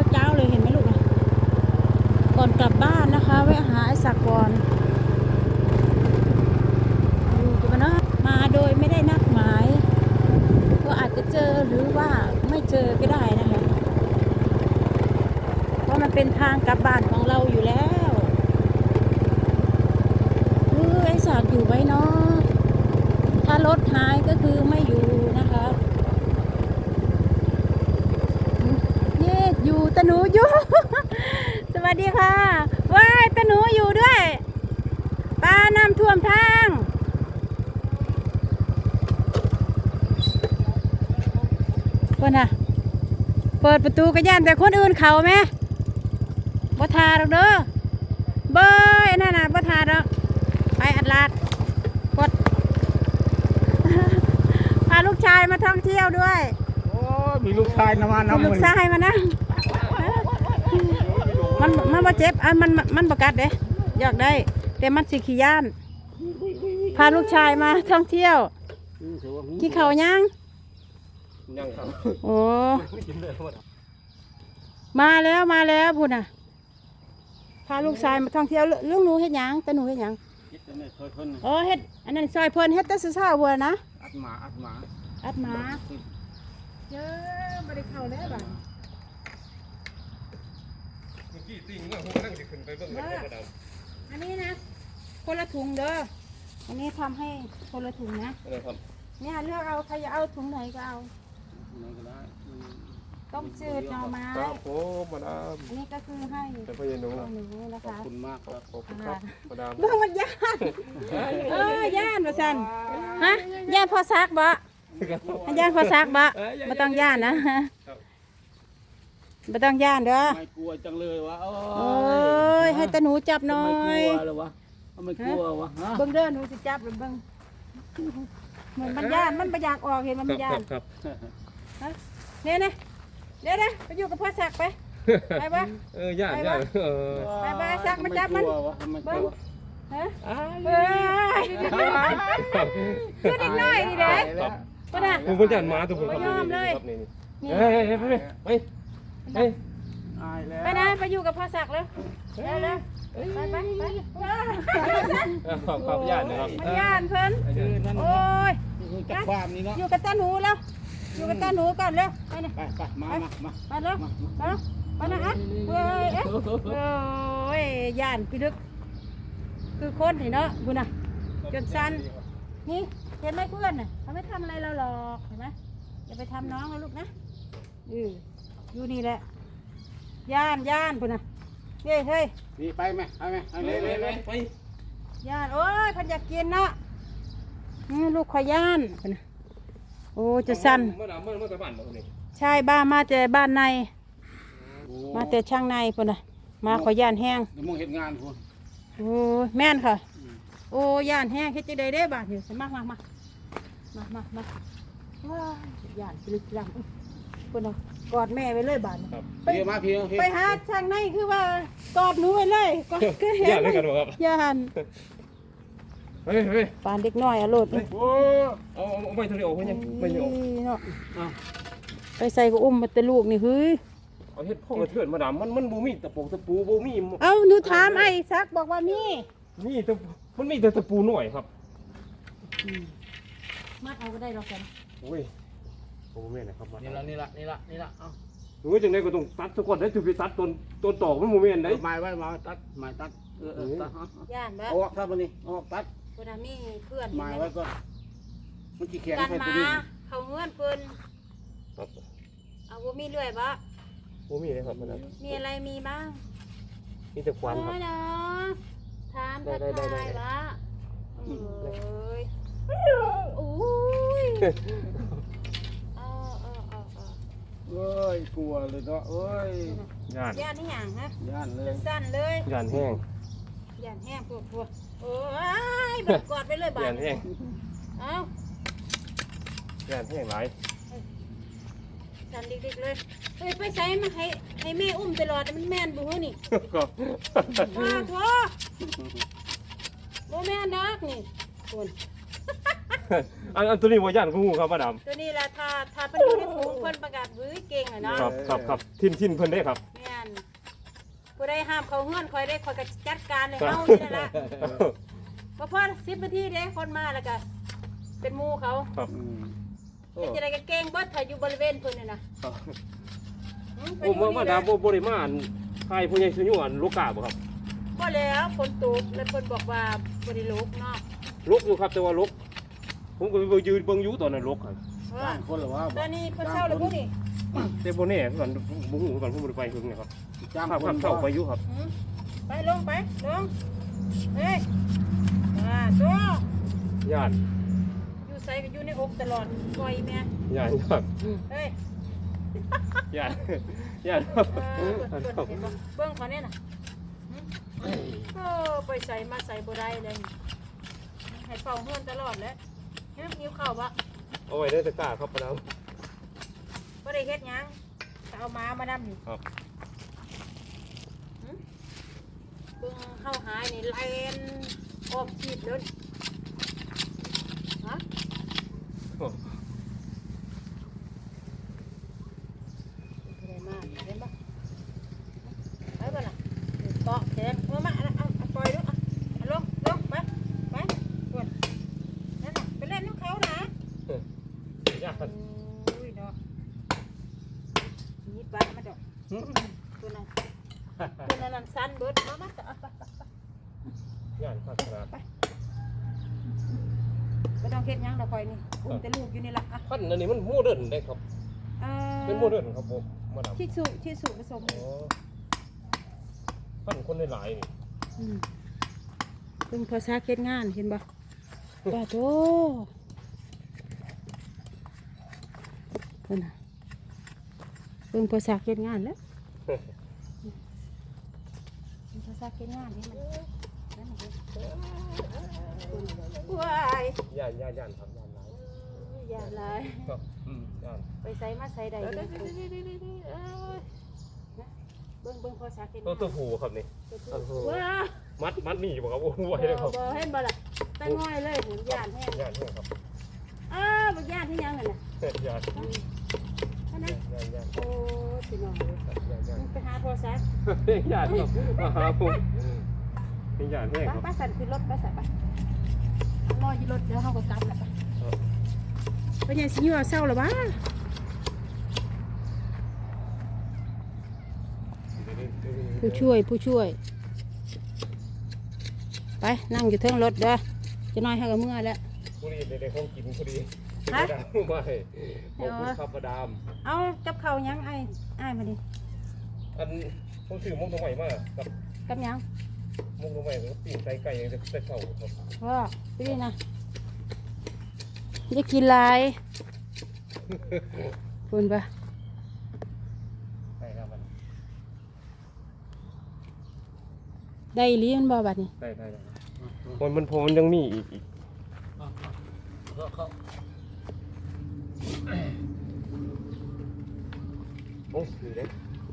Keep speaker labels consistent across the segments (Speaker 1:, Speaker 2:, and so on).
Speaker 1: เจ้าเลยเห็นไหมลูกนะก่อนกลับบ้านนะคะแวะหาไอ้ศักดิ์ก่อนดูกันนะมาโดยไม่ได้นัดหมายก็อาจจะเจอหรือว่าไม่เจอก็ได้นะคะเพราะมันเป็นทางกลับบ้านของเราอยู่แล้วไอ้ศักดิ์อยู่ไว้เนาะถ้ารถหายก็คือไม่อยู่นะคะอยู่ตะหนูอยู่ สวัสดีค่ะว้ายตะหนูอยู่ด้วยปลาน้ำท่วมทางคนน่ะเปิดประตูกระย่านแต่คนอื่นเขาไหมบ่ทาหรอกเด้อเบยนั่นน่ะบ่ทาหรอกไปอัดลาดกด พาลูกชายมาท่องเที่ยวด้วย
Speaker 2: โอ้มีลูกชายนะมาน้ำ
Speaker 1: ลูกชายมานะมันบ่เจ็บมันบ่กัดเด้อยากได้แต่มันสิขี้ย่านพาลูกชายมาท่องเที่ยวที่เขายัง
Speaker 2: ครับ
Speaker 1: โอ้มาแล้วพูดน่ะพาลูกชายมาท่องเที่ยวเรื่องหนูเฮ็ดหยังแต่หนูเฮ็ดหยังอ๋อเฮ็ดอันนั้นซอยเพิ่นเฮ็ดแต่เช้าๆบัวนะ
Speaker 2: อัดหมา
Speaker 1: เยอะบ่ได้เข้าแล้วบัดอันนี้นะคนละถุงเด้ออันนี้ทำให้คนละถุงนะเนี่ยเลือกเอาใครจะเอาถุงไหนก็เอาต้มจืดหน่อไม้
Speaker 2: ครับผมมาดาม
Speaker 1: อันนี้ก็คือให้
Speaker 2: แต่พ่อใหญ่หนู
Speaker 1: นะคะ
Speaker 2: ขอบคุณมากครับขอบคุณครับมาดาม
Speaker 1: เบิ่งมันย่านย่านว่าซั่นฮะย่านพอซักบ่ย่านพอซักบ่บ่ต้องย่านนะบ่ต้องย่านเด้อ
Speaker 2: ไม่กลัวจังเลยวะ
Speaker 1: โอ้ยให้ตาหนูจับหน่อย
Speaker 2: ไม่กลัวเลยวะไม่กลัววะ
Speaker 1: เบิ่งเด้อหนูสิจับหรือเบิ่งเหมือนมันย่านมันบ่อยากออกเห็นมันย่าน
Speaker 2: ครับ
Speaker 1: ฮะเนี่ยเดี๋ยวไปอยู่กับพ่อซักไปไปบ่
Speaker 2: ย่าน
Speaker 1: ไปซักมาจับมันเบิ่งฮะคือเด็กน้อยนี่เด้ป่ะน่ะ
Speaker 2: ผมก็ย่านมาทุกคน
Speaker 1: บ่ยอมเลยไปนะไปอยู่กับพ่อศักดิ์เลยเร็วไป
Speaker 2: ขอบย่านนะครับ
Speaker 1: ย่านเพิ่นโอ้ย
Speaker 2: จากความนี้เนาะ
Speaker 1: อยู่กับตาหนูแล้วอยู่กับตาหนูก่อนเร็วไปนะ
Speaker 2: ไปมา
Speaker 1: ไปเร็วไปนะฮะโอ้ยย่านพี่ดึกคือคนนี่เนาะคุณน่ะจนสั้นนี่เห็นไหมเพื่อนน่ะเขาไม่ทำอะไรเราหรอกเห็นไหมอย่าไปทำน้องนะลูกนะอยู่นี่แหละย่านพุ่นน่ะเฮ้ย
Speaker 2: นี่ไปไหมไป
Speaker 1: ย่านโอ้ยพันอยากกินเนาะลูกขอย่านพุ่นน่ะโอ้จะสั้นใช่บ้านมาแต่บ้านในมาแต่ช่างในพุ่นน่ะมาขอย่านแห้ง
Speaker 2: มองเห็นงานพุ่น
Speaker 1: โอ้แม่นค่ะโอ้ย่านแห้งเฮ็ดจังได๋เด้บาดนี่มาย่านลึกลังพุ่นน่ะกอดแม่ไว้เลยบาดนี่ไปหาช่างในคือว่ากอดหนูไว้เลยกอด
Speaker 2: ย่านด้วยกันบ่ครับ
Speaker 1: ย่าน
Speaker 2: เฮ้ย
Speaker 1: ปานเด็กน้อยอะโลด
Speaker 2: โอ้เอาไม่ทะเลออกเพิ่นยังไม่ออก
Speaker 1: เนาะไปใส่ก็อุ้มมาแต่ลูกนี่เฮ้ย
Speaker 2: เอาเฮ็ดพ่อกระเทือนมาดามมันบ่มีตะปูบ่มี
Speaker 1: เอ้าหนูถามไอ้ซักบอกว่ามี
Speaker 2: แต่มันมีแต่ตะปูหน่อยครับ
Speaker 1: มัดเอาก็ได้หรอกกัน
Speaker 2: โอ้ยโอ้แม่นะครับ
Speaker 3: นี่ละเอา
Speaker 2: หนูจังได๋ก็ต้องตัดซะก่อนได้สิไปตัดต้นตอกมันบ่แม่นได้
Speaker 3: ไม้ไว้มาตัดตัด
Speaker 1: ย่านบ่
Speaker 3: ออกครับวันนี้ออกตัด
Speaker 1: คนน่ะมีเพื่อน
Speaker 3: ไม้ไว้ก่อนมันสิแข็ง
Speaker 1: กันมาเขาเฮือนเพิ่นเอาบ่มีเลื่อยบ่
Speaker 2: มีเลยครับมัน
Speaker 1: มีอะไรมีบ้าง
Speaker 2: มีแต่ควันครับ
Speaker 1: เนาะทานผัดไทยละโอ้ย
Speaker 3: เอ้ยกลัวเลยเนาะเอ้ย
Speaker 2: ย่าน
Speaker 1: นี่หยังฮะ
Speaker 3: ย่านเลย
Speaker 1: สั้นเลย
Speaker 2: ย่านแห้ง
Speaker 1: พวกโอ้ยแบบกอดไปเลยบาด
Speaker 2: ย่านแห้ง
Speaker 1: เอ้า
Speaker 2: ย่านแห้งหลาย
Speaker 1: สั้นดิกๆเลยไปใส่มาให้แม่อุ้มตลอดมันแม่นบ่ฮู้นี่ว้าโธ่บ่แม่นดอกนี่คุณ
Speaker 2: อันตัวนี้บ่ย่านงูครับมาดาม
Speaker 1: ตัวนี้ละถ้าเพิ่นอยู่ในฝูงเพิ่นประกาศบื้อเก่งอะเนาะ
Speaker 2: ครับทินเพิ่นได้ครับ
Speaker 1: แม่นผู้ใดห้ามเขาเฮือนคอยได้คอยก็จัดการให้เฮานี่แหละบ่พอ10นาทีเด้คนมาแล้วก็เป็นหมู่เขา
Speaker 2: ครับ
Speaker 1: เป็นจังได๋ก็เก่งเบิดถ้าอยู่บริเวณเพิ่นนี่นะ
Speaker 2: มาดามบ่ได้มาใครผู้ใหญ่สุยุอันลูกกาบ่ครับ
Speaker 1: บ่แล้วฝนตกแล้วเพิ่นบอกว่าบ่ได้ลุกเนาะ
Speaker 2: ลกอยู่ครับแต่ว่าลกผมก็ไปยืนเบิ่งอยู่ตอนนั้นลกครับ
Speaker 3: บ้านคนหรือว่า
Speaker 1: ตอนนี้เพิ่นเช้าแล้วบ่นี่
Speaker 2: แต่บ่แน่ก่อนบ่ฮู้ก่อนผมบ่ได้ไปเพิ่งนะครับ
Speaker 3: จ้าง
Speaker 2: ครับ
Speaker 3: คน
Speaker 2: เข้าไปอยู่ครับ
Speaker 1: ไปลงเฮ้ยตัว
Speaker 2: ย่าน
Speaker 1: อยู่ไสก็อยู่ในอกตลอดปล่อยแม่
Speaker 2: ย่านครับ
Speaker 1: เฮ้ย
Speaker 2: ย่านครับ
Speaker 1: เห็นบ่เบิ่งเขาเนี่ยน่ะไปใส่มาใส่บ่ได้เลยให้เฝ้าเฮือนตลอดแล้วหิวข้าวบ่
Speaker 2: เอาไว้ได้ตะกร้าครับมาดาม
Speaker 1: บ่ได้เฮ็ดหยังก็เอามาดำนี่
Speaker 2: ครับ
Speaker 1: เบิ่งเฮาหายนี่แล่นออกชีดเลยฮะได้มากเห็นบ่ไปบ่ล่ะเกาะแขนมาเอาปล่อยดูลงไปกดนั่นน่ะไปเล่นน้ำเขานะ
Speaker 2: ย่าน
Speaker 1: อุ้ยเนาะนี่ปลามาดอกตัวนั้นสั้นเบิดมาเอาไป
Speaker 2: ย่านครับครับ
Speaker 1: ไม่ต้องเฮ็ดหยังดอกคอยนี่อุ้มแต่ลูกอยู่นี่ล่ะอ่ะ
Speaker 2: พันอันนี้มันโมเดิร์นได้ครับเป็นโมเดิร์นครับผมมาดาม
Speaker 1: ที่สุผสม
Speaker 2: อ๋อพันคนหลายๆนี่
Speaker 1: เพิ่งภาษาเฮ็ดงานเห็นบ่ป้าโตเพิ่นน่ะเพิ่งภาษาเฮ็ดงานแล้วภาษาเฮ็ดงานนี่มันว้าย
Speaker 2: ย่านครับย่านหลาย
Speaker 1: อย่าหลาย
Speaker 2: ครับย่าน
Speaker 1: ไปใส่มาใส่ใดเลยเบิ่งภาษาเฮ็ด
Speaker 2: ตัว
Speaker 1: งาน
Speaker 2: ผูครับนี่
Speaker 1: ว้า
Speaker 2: มัดนี่บ่ครับโอ้ไหวเลยครับ
Speaker 1: บ่เห็นบ่ล่ะตะง่อยเลยผมย่านแห้ง
Speaker 2: ย่านครับ
Speaker 1: บ่ย่านที่ยังนั่นน่ะ
Speaker 2: ย่าน
Speaker 1: อันนั้น
Speaker 2: ย่าน
Speaker 1: โอ้สิน้องเลย
Speaker 2: ย่าน
Speaker 1: ไปหาโทรศัพท์
Speaker 2: ย่านครับมาหาผมเป็นย่านแห้งครับ
Speaker 1: ป้าสั่นขึ้นรถป้าสั่นไปรออยู่รถเดี๋ยวเฮาก็กลับแล้วไปยังสิอยู่เอาเศร้าแล้วบ้าผู้ช่วยไปนั่งอยู่เทิงรถเด้อจะน้อยให้กับเมื่อแล้ว
Speaker 2: พอดีในห้องกินพอดีไม่ขอบคุณครับมาดาม
Speaker 1: เอากับเขายังไอ้มาดิ
Speaker 2: อันผมซื้อมุกตัวใหม่มากับ
Speaker 1: กับยัง
Speaker 2: มุกตัวใหม่แล้วปิ้งไก่ยังจะเข่าครับ
Speaker 1: ว่าพี่นะจะกินลายคุณปะ
Speaker 2: ใช่ครับมัน
Speaker 1: ได้อีหลีมันบ่บัดนี้
Speaker 2: ได้มันพอมันยังมีอีกโอ้ดีเลย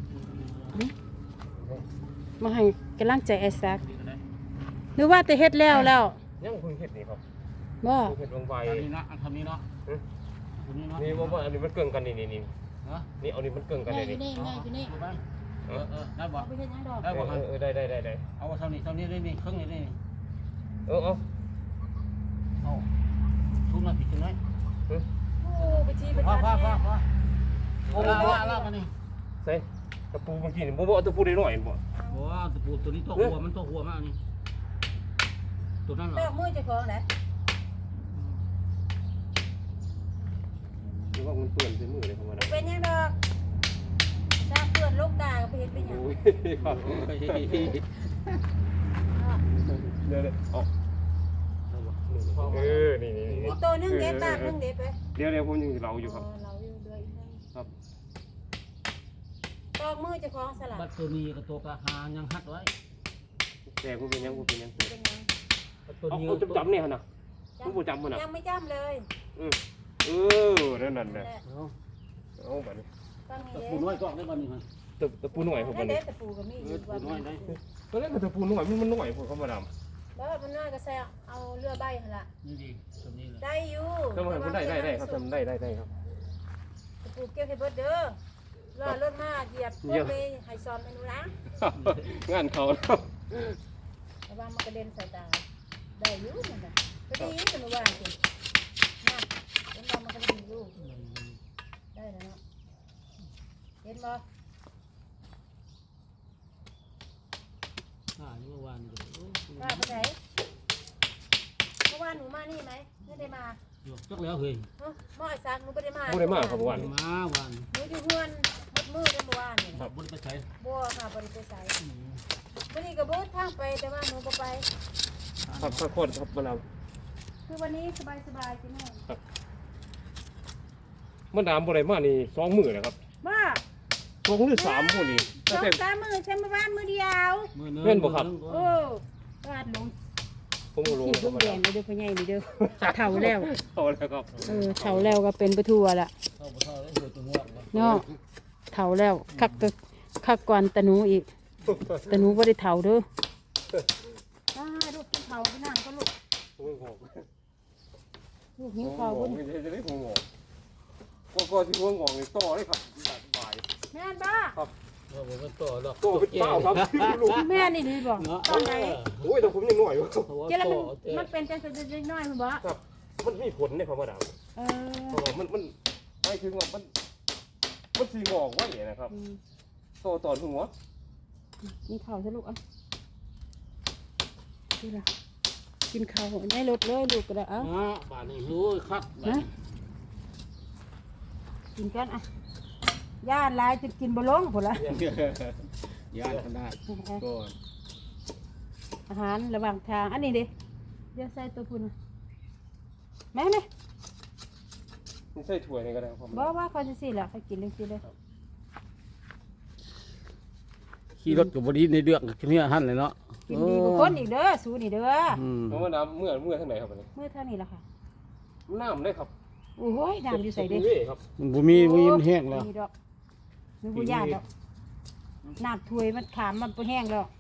Speaker 1: มาให้กำลังใจไอ้ซักหรือว่าแต่เฮ็ดแล้ว
Speaker 2: ยังคุยเห็ดนี่ครับ
Speaker 1: บ่
Speaker 2: เห็ดลงใบ
Speaker 3: ทำนี้นะทำนี้เนาะทำนี้เนาะ
Speaker 2: นี่ว่าอันนี้มันเกินกันนี่นี่เอานี่มันเกินกันเลยนี่
Speaker 1: นี่
Speaker 3: ได้บ่
Speaker 1: ไปเฮ็ดหยังดอก
Speaker 3: ได้บ่ครับ
Speaker 2: ได้
Speaker 3: เอาเท่านี้ได้นี่ครึ่งนี้ได้นี่
Speaker 2: เอา
Speaker 3: เอาทุกนาทีจังไง
Speaker 1: โอ้ไปชี้ไป
Speaker 3: พ่อ
Speaker 1: ทาน
Speaker 3: โอ้ลากันนี่
Speaker 2: ใส่ตะปูเมื่อกี้นี่บ่เอาตะปูได้หน่อยบ่
Speaker 3: โอ้ตะปูตัวนี้ตัวหัวมันตัวหัวมากนี่ตัวนั้นเหร
Speaker 1: ด
Speaker 3: อ
Speaker 1: อกมือเจ้าของแหละ
Speaker 2: หรือว่ามันเปื้อนใส่มือเลยธรรมดา
Speaker 1: เป็นหยังดอกซาเปื้อนลูกด่าก็ไปเฮ็ดเป็นหยัง
Speaker 2: โอ้ยครับเดี๋ยวเอานี่
Speaker 1: อีกตัวนึงเด็ดตานึงเด็ดไป
Speaker 2: เดี๋ยวผมยังเราอยู่ครับ
Speaker 1: เราอยู่เดือยนึง
Speaker 2: ครับ
Speaker 1: ดอกมือเจ้าของสลัด
Speaker 3: บัดตัวนี้กับตัวกระหายังหัดไว้
Speaker 2: แต่ผมเป็นยัง
Speaker 1: เป็นหยัง
Speaker 3: ตัวนี้
Speaker 2: เอาจำเนี่ยนะผมจำมันนะ
Speaker 1: ยังไม่จำเลย
Speaker 2: นั่นแหละเอาแบบนี้
Speaker 1: ตั้ง
Speaker 3: ตะ
Speaker 1: นี้
Speaker 3: ปูน้อยก็ได้บ้านนี้มัน
Speaker 2: ตะปูหน่อยผม
Speaker 1: ได้
Speaker 2: มัน
Speaker 1: เด็ดตะปูก็มีอยู่
Speaker 3: ตะปูน้อยได้
Speaker 2: ตอนแรกตะปูหน่อยมันหน่อยผมเข้ามาดำ
Speaker 1: บ่มันน้อยก็ใส่เอาเรือใบหั่นล่ะ
Speaker 3: นี่ดีตรงนี้เลย
Speaker 1: ได้อยู่
Speaker 2: ทำไมมันได้ครับทำได้ครับ
Speaker 1: ปลูกเก็บให้เบิดเด้อรอรถมาเหยียบพวกไปให้ซ้อมเมนูนะ
Speaker 2: งานเขาแล้ว
Speaker 1: ระวังมันกระเด็นใส่ตาได้อยู่นั่นน่ะก็ดีแต่เมื่อวานสิน่ะเห็นบ่มันก็ดีอยู่ได้แล้วเนาะเห็นบ่
Speaker 3: เมื่อวานก็
Speaker 1: ป้าไปไหนเมื่อวานหนูมานี่ไหมไม่ได้มา
Speaker 3: จักแล้วเฮ้ย
Speaker 1: เนาะหม้อไอ้ซักหนูไม่ได้มา
Speaker 2: พูดได้มากครับวัน
Speaker 3: มาวัน
Speaker 1: หนูอยู่เฮือนหมดมือได้เมื่อวานนี่
Speaker 3: ครั
Speaker 1: นะ
Speaker 3: บบ่ได้ไปใช้
Speaker 1: บัวค่ะบริเวณใสวันนี้ก็เบิดทางไปแต่ว่าหนูก็ไป
Speaker 2: ครับข้าวโพดครับมะนาว
Speaker 1: คือวันนี้สบายๆจิแม่
Speaker 2: มะนาวบ่ได้มานี่2มื้อแล้วครับ
Speaker 1: บ้า
Speaker 2: 2หรือ3มื้อนี่
Speaker 1: สองสามมือใช้มาบ้านมือเดียว
Speaker 2: เพื่อนบ่ครับ
Speaker 1: โอ้วาดลง
Speaker 2: ผมบ่รู้
Speaker 1: ขี่
Speaker 2: ค
Speaker 1: ลู
Speaker 2: รับ
Speaker 1: ก
Speaker 2: มะ
Speaker 1: แด
Speaker 2: นาว
Speaker 1: งเลยเด้อพ่อใหญ่นี่เด้อเฒ่าแล้ว
Speaker 2: เอาแล้วครับ
Speaker 1: เฒ่าแล้วก็เป็นประทัวละ
Speaker 3: เข้าบ่เข้าแล้วเหือตัวงอก
Speaker 1: เนาะเฒ่าแล้วคักก่อนตะหนูอีกตะหนูบ่ได้เฒ่าเด้อลูกกินเฒ่าไปนั่งก็ลูก
Speaker 2: หัวงอก
Speaker 1: ลูกหิวข้าว
Speaker 2: หัว
Speaker 1: เพิ่
Speaker 2: ง
Speaker 1: น
Speaker 2: อกจะได้หัวงอกก็สิหัวงอกนี่ต่อเลยครับสบาย
Speaker 1: แม่นบ้า
Speaker 3: ว่าบ่มันต่อหรอก
Speaker 2: ต่อเป็นเป้าครับลูก
Speaker 1: แม่นี่ดีบ่ตอนไหน
Speaker 2: โอ้ยแต่ผมยังน้อยอยู่
Speaker 1: เจ้ามันเป็นจังซั่นน้อยๆพุ่นบ่
Speaker 2: ครับมันมีผลในความว่าดาว
Speaker 1: เอ
Speaker 2: เพ
Speaker 1: อ
Speaker 2: ราะว่ามันหมายถึงว่ามันสีงอกไว้นะครับโตตอนหัว
Speaker 1: นี่ข้าวซะลูกอ่ะนี่ล่ะกินข้าวได้รถเลยลูกก็ได้เอ้า
Speaker 3: บ้านนี้โอ้ยคัก
Speaker 1: นะกินกันอ่ะย่านหลายจะกินบ่ลงพุ่นล่ะ
Speaker 3: ย่านขนาดก่อน
Speaker 1: อาหารระหว่างทางอันนี้ดิเดี๋ยวใส่ตัวพุ่นน่ะแม่
Speaker 2: นี่ใส่ถ้วยนี่ก็ได้ครับ
Speaker 1: บ่ว่าเขาจะสิล่ะเขากินจังซี่เลย
Speaker 3: ขี่รถก็บ่ดีในเดือกเนี่ยหั่นเลยเนาะ
Speaker 1: กินดีกว่าคนอีกเด้อสู้นี่เด้อ
Speaker 2: เพราะว่าน้ำเมื่อทางไหนครับนี่
Speaker 1: มื้อเท่านี้ล่ะค่ะ
Speaker 2: น้ำได้ครับ
Speaker 1: โอ้ยน้ำอยู่ใส่เด้
Speaker 2: ครับ
Speaker 3: มันบ่มีมันแห้งแล้ว
Speaker 1: มีดอกมีบ่ยานดอกน้ำถ้วยมันขามมันบ่แห้งแล้ว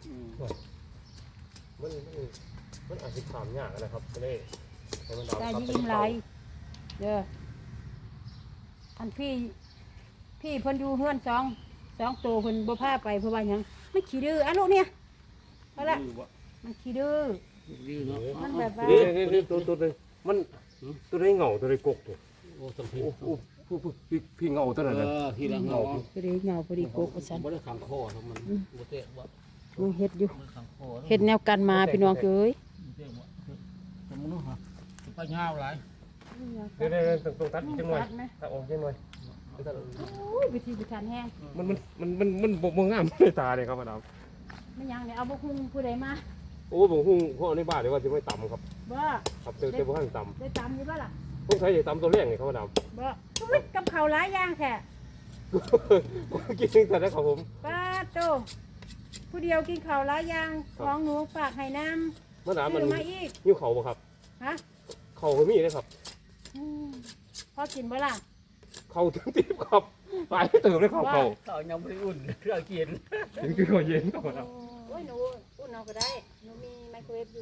Speaker 2: มันอาจจะขามยากนะครับจะได้ให้มัน
Speaker 1: ได้ยิ้มหลายเด้ออันพี่เพิ่นอยู่เฮือนสองโตเพิ่นบ่พาไปเพราะว่าหยังมันขี้ดื้ออ่ะลูกเนี่ยเอาละมันขี้ดื้อมันแบบว่า
Speaker 2: นี่ตัวนึงมันตัวได้เงาตัวได้กกตัว
Speaker 3: โอ้สัมผัส
Speaker 2: พี่เงาตัวนั้น
Speaker 3: ทีละเงา
Speaker 1: พอดีเหงาพอดีโกกว่าซั่น
Speaker 3: บ่ได้ขังคอทั้งมันบ่เตะบ่
Speaker 1: มันเฮ็ดอยู่
Speaker 3: บ่ขังคอ
Speaker 1: เฮ็ดแนวกันมาพี่น้องเอ้ย
Speaker 3: เตะบ่สมมุติฮะไปยาวหลาย
Speaker 2: เดี๋ยวตรงตัดจังหน่อยถ้าออกจังหน่อย
Speaker 1: โอ้ยวิธีพิธันแห้ง
Speaker 2: มันบ่งามในตาเลยครับมาดาม
Speaker 1: ไม่ยังเนี่ยเอาบ่คุ้งผู้ใดมา
Speaker 2: โอ้ผมหุ้งพ่อในบ้านเลยว่าจะไม่ต่ำครับ
Speaker 1: บ่
Speaker 2: ครับเจอบ่ข้างต่
Speaker 1: ได้ตามอยู่บ่ล่ะ
Speaker 2: ำผมใช้จะต่ำตัวแรกนี่ครับมาดาม
Speaker 1: บ่อุ้ยกับข้าวหลายอย่างแท้
Speaker 2: กินแต่ได้ครับผม
Speaker 1: ป้าโตผู้เดียวกินข้าวหลายอย่างของหนูฝากให้น้ำ
Speaker 2: มาดามมัน
Speaker 1: ซื้อมาอีก
Speaker 2: ยิ้วเขาบ่ครับ
Speaker 1: ฮะ
Speaker 2: เขาก็มีนะครับ
Speaker 1: อืมพอกินบ่ล่ะ
Speaker 2: เขาถึงตีบครับไปเติมเลยเขา
Speaker 3: ข้าวยังบ่ได้อุ่นเครื่องกิน
Speaker 2: ถึงคือเขาเย็นครับมาดาม
Speaker 1: โอ้ยหนูอุ่นเอาก็ได้หนูมีไมโครเวฟอยู่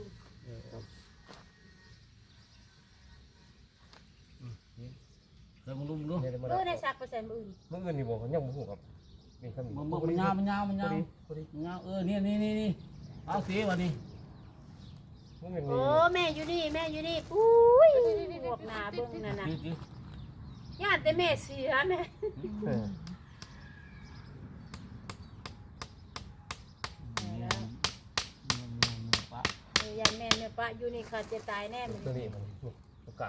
Speaker 3: แล้วมึงรู้มึงรู้
Speaker 1: ในซักเปอร์เซ็นต์มื้ออื่น
Speaker 2: เมื่อเงินนี่บอกเขายังบ่ฮู้ครับนี่ครับ
Speaker 3: มันยาวมันยาวนี่เอาสิวันนี้
Speaker 2: เมื่อเงิน
Speaker 1: โอ้
Speaker 2: นี่
Speaker 1: แม่อยู่นี่อุ้ยพวกหน้าเบิ่งนั่นน่ะญาติแต่แม่เสียแม่ ยายแม่เนี่ยปะอยู่นี่ขาดจะตายแน่มัน
Speaker 2: ตัวนี้มันตัวกลาง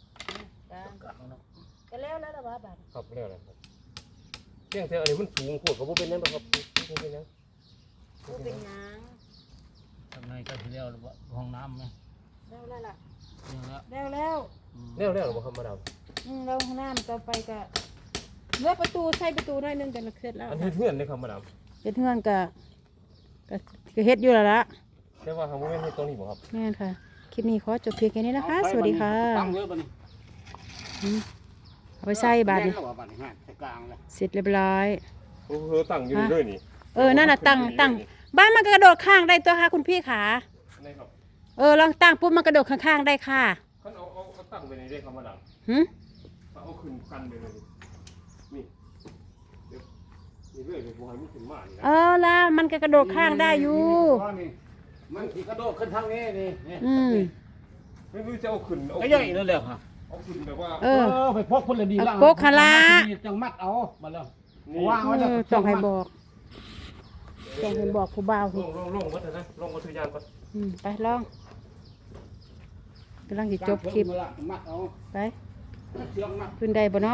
Speaker 1: ก็แล้วล่ะว่าบาด
Speaker 2: ครับเรียกอะไรครับเรื่องเท่าอันนี้มันสูงโคตรเขาบ่เป็นยังครับเป็นยัง
Speaker 1: ผู้เป็นหยัง
Speaker 3: ทำไงก็ทีเดียวห้องน้ำไหม
Speaker 1: แล้วล่ะ
Speaker 3: ยังแล้ว
Speaker 1: แล้ว
Speaker 2: เรียกหรือเปล่าครับมาดาม
Speaker 1: เราห้องน้ำต่อไปก็เมื่อประตูใส่ประตูหน่อยนึงกันเสร็จแล้ว
Speaker 2: อันนี้เพื่อนเลยครับมาดาม
Speaker 1: เฮ็ดเฮือนก็เฮ็ดอยู่แล้วล่ะ
Speaker 2: แต่ว่าทางโมเมนต์ให้ตรงนี้บ่ครับ
Speaker 1: แม่นค่ะคลิปนี้ขอจบเพียงแค่นี้นะคะ สวัสดีค่ะ
Speaker 3: ตั้งเยอะป่ะนี่
Speaker 1: เอาไปใส่บาดนี้
Speaker 3: บ้านนี่ฮะกลางเลย
Speaker 1: เสร็จเรียบร้อย
Speaker 2: โอ้โหตั้งอยู่ด้วยนี่
Speaker 1: นั่นน่ะตั้งบ้านมันก็กระโดดข้างได้ตัวค่ะคุณพี่ขา
Speaker 2: นี่ครับ
Speaker 1: ลองตั้งปุ๊บมันกระโดดข้างๆได้ค่ะ
Speaker 2: คันเอาตั้งไปในได้คำว่าดัง
Speaker 1: หึ
Speaker 2: เอาขึ้นกันไปเลยนี่เดี๋ยวนี่เรื่อยเลยบ่ให้มันขึ้นมานี่นะ
Speaker 1: แล้วมันก็กระโดดข้างได้อยู่
Speaker 3: มันที่กระโดดขึ้นทางนี้นี่
Speaker 1: อืม
Speaker 2: ไม่รู้จะเอาขึ้นเอา
Speaker 3: ก็ใหญ่นั่นแหละค่ะ
Speaker 2: เอาขึ้นแบบว่า
Speaker 3: ไปพกคนละดีล่างจังมัดเอามาแล้ว
Speaker 2: นี่
Speaker 3: วางไว้แล้ว
Speaker 1: ต้องให้บอกผู้บ่าว
Speaker 2: ลงวัดนะลงวัดทุยานก่อน
Speaker 1: ไปลองกำลังจะจบคลิป
Speaker 3: มัดเอา
Speaker 1: ไป
Speaker 3: เชือกมัด
Speaker 1: ขึ้นได้บ่เนาะ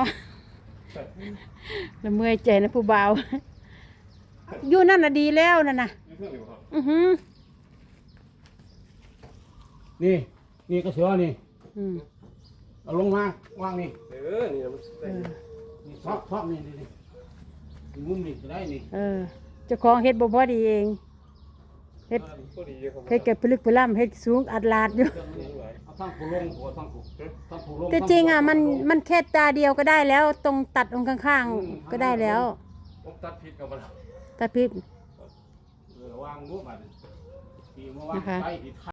Speaker 1: แล้วเมื่อยใจนะผู้บ่าวอยู่นั่นน่ะดีแล้วนั่นน่ะ
Speaker 2: นี่เพื่อนอยู่ครับ
Speaker 3: นี่ก็เสือนี่ เอาลงมาวางนี่
Speaker 2: นี่นะมันได้
Speaker 3: นี่ซอกนี่มุมนี่ก็ได้นี่
Speaker 1: เจ้าของเฮ็ดบ่พอดีเองเฮ็ด
Speaker 2: ก็ดีครับ
Speaker 1: เฮ็ดแก่พลึกพล่ำเฮ็ดสูงอัดลาดอยู่
Speaker 3: เอาทั้งผู้ลงหัวทั้งผู้ลง
Speaker 1: แต่จริงอ่ะมันแค่ตาเดียวก็ได้แล้ว ตรงตัดตรงข้างๆก็ได้แล้ว
Speaker 2: ผมตัดผิดกับมัน
Speaker 1: ตาพิษ
Speaker 3: วางรูปมาปีเมื่อวานไป